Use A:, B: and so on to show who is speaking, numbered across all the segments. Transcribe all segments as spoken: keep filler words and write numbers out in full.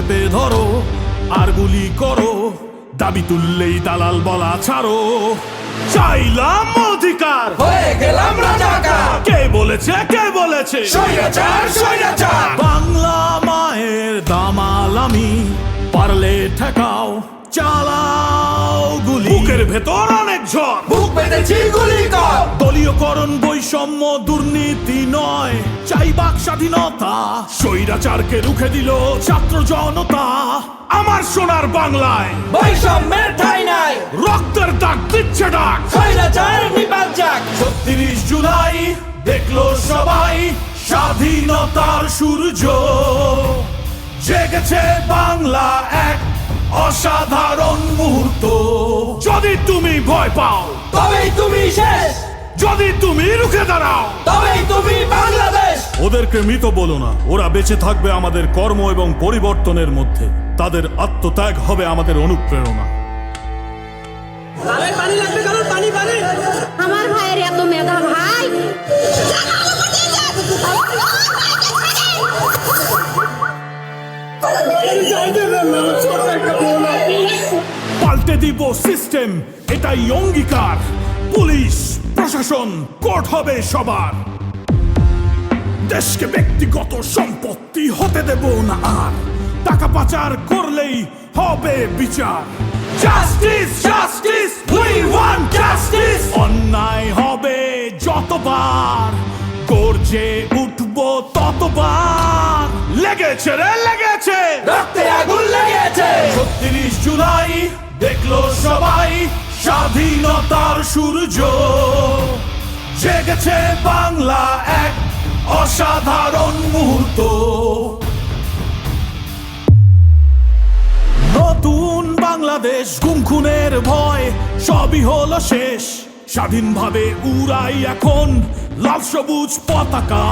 A: চেপে ধরো আর গুলি করো, দাবি তুললেই দালাল বলা ছাড়ো। চাইলাম অধিকার,
B: হয়ে গেলাম রাজাকার।
A: কে বলেছে কে বলেছে
B: স্বৈরাচার স্বৈরাচার।
A: বাংলা মায়ের দামাল আমি, পারলে ঠেকাও চালাও গুলি। বুকের ভেতর অনেক ঝড়,
B: বুক পেতেছি গুলি কর।
A: দলীয়করণ বৈষম্য দুর্নীতি নয়, চাই বাক স্বাধীনতা। স্বৈরাচারকে রুখে দিল ছাত্র জনতা। আমার সোনার বাংলায়
B: বৈষম্যের ঠাঁই নাই,
A: রক্তের দাগ দিচ্ছে ডাক।
B: স্বৈরাচার নিপাত যাক।
A: ছত্রিশ জুলাই দেখলো সবাই স্বাধীনতার সূর্য, জেগেছে বাংলা এক অসাধারণ মুহূর্ত। যদি তুমি ভয় পাও
B: তবেই তুমি শেষ,
A: যদি তুমি রুখে দাঁড়াও
B: তবেই তুমি বাংলাদেশ।
A: ওদেরকে মৃত বলো না, ওরা বেঁচে থাকবে আমাদের কর্ম এবং পরিবর্তনের মধ্যে। তাদের আত্মত্যাগ হবে আমাদের অনুপ্রেরণা।
C: আমার ভাইয়ের এত মেধা ভাই,
A: পাল্টে দিব সিস্টেম, এটাই অঙ্গীকার। পুলিশ প্রশাসন কোর্ট হবে সবার। দেশকে ব্যক্তিগত সম্পত্তি হতে দেব না আর, টাকা পাচার করলেই হবে বিচার। Justice justice we want justice. অন্যায় হবে যতবার, গর্জে উঠবো ততবার। লেগেছে রে লেগেছে,
B: রক্তে আগুন লেগেছে।
A: ছত্রিশ জুলাই দেখলো সবাই স্বাধীনতার সূর্য, জেগেছে বাংলা এক অসাধারণ মুহূর্ত। নতুন বাংলাদেশ, গুম খুনের ভয় সবই হলো শেষ। স্বাধীনভাবে উড়াই এখন লাল সবুজ পতাকা।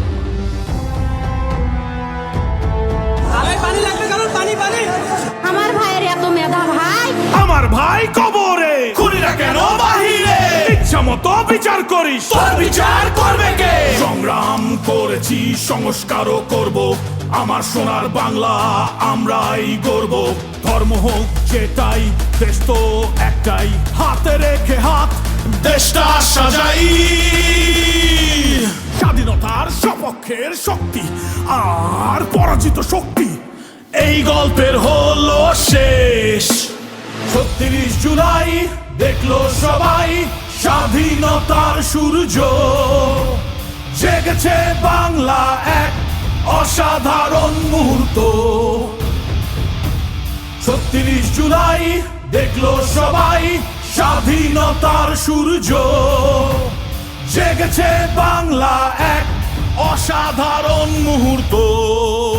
C: আমার ভাইয়ের এত মেধা ভাই,
A: আমার ভাই কবরে, খুনিরা কেন বাহিরে? ইচ্ছা মতো বিচার করিস,
B: তোর বিচার করবে কে?
A: সংগ্রাম করেছি সংস্কারও করব, আমার সোনার বাংলা আমরাই গর্ব। ধর্ম হোক যেটাই, দেশ তো একটাই, হাতে রেখে হাত দেশটা সাজাই। স্বাধীনতার সপক্ষের শক্তি আর পরাজিত শক্তি, এই গল্পের হলো শেষ। ছত্রিশ জুলাই দেখলো সবাই স্বাধীনতার সূর্য, জেগেছে বাংলা এক অসাধারণ মুহূর্ত। ছত্রিশ জুলাই দেখলো সবাই স্বাধীনতার সূর্য, জেগেছে বাংলা এক অসাধারণ মুহূর্ত।